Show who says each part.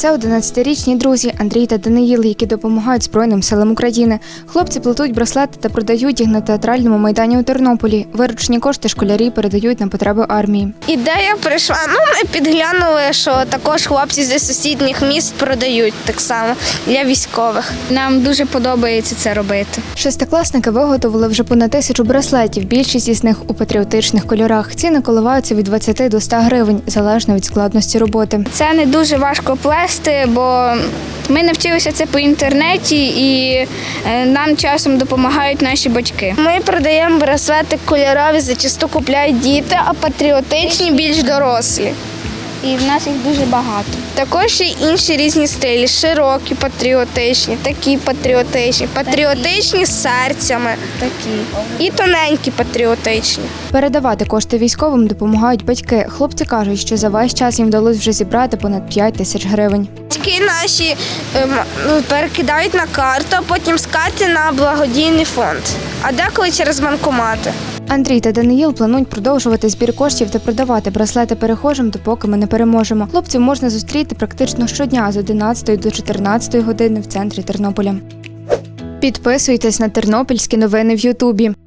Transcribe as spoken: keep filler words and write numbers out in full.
Speaker 1: Це одинадцятирічні друзі Андрій та Даниїл, які допомагають Збройним силам України. Хлопці плетуть браслети та продають їх на театральному майдані у Тернополі. Виручені кошти школярі передають на потреби армії.
Speaker 2: Ідея прийшла, ну ми підглянули, що також хлопці зі сусідніх міст продають так само для військових.
Speaker 3: Нам дуже подобається це робити.
Speaker 1: Шестикласники виготовили вже понад тисячу браслетів, більшість із них у патріотичних кольорах. Ціни коливаються від двадцяти до ста гривень, залежно від складності роботи.
Speaker 3: Це не дуже важко плести, бо ми навчилися це по інтернеті і нам часом допомагають наші батьки.
Speaker 2: Ми продаємо браслети кольорові, зачасту купляють діти, а патріотичні більш дорослі.
Speaker 3: І в нас їх дуже багато.
Speaker 2: Також є інші різні стилі, широкі патріотичні, такі патріотичні, патріотичні з серцями
Speaker 3: Такі.
Speaker 2: і тоненькі патріотичні.
Speaker 1: Передавати кошти військовим допомагають батьки. Хлопці кажуть, що за весь час їм вдалося вже зібрати понад п'ять тисяч гривень.
Speaker 2: Батьки наші ем, перекидають на карту, а потім з карти на благодійний фонд, а деколи через банкомати.
Speaker 1: Андрій та Даниїл планують продовжувати збір коштів та продавати браслети перехожим, допоки ми не переможемо. Хлопців можна зустріти практично щодня з одинадцятої до чотирнадцятої години в центрі Тернополя. Підписуйтесь на тернопільські новини в Ютубі.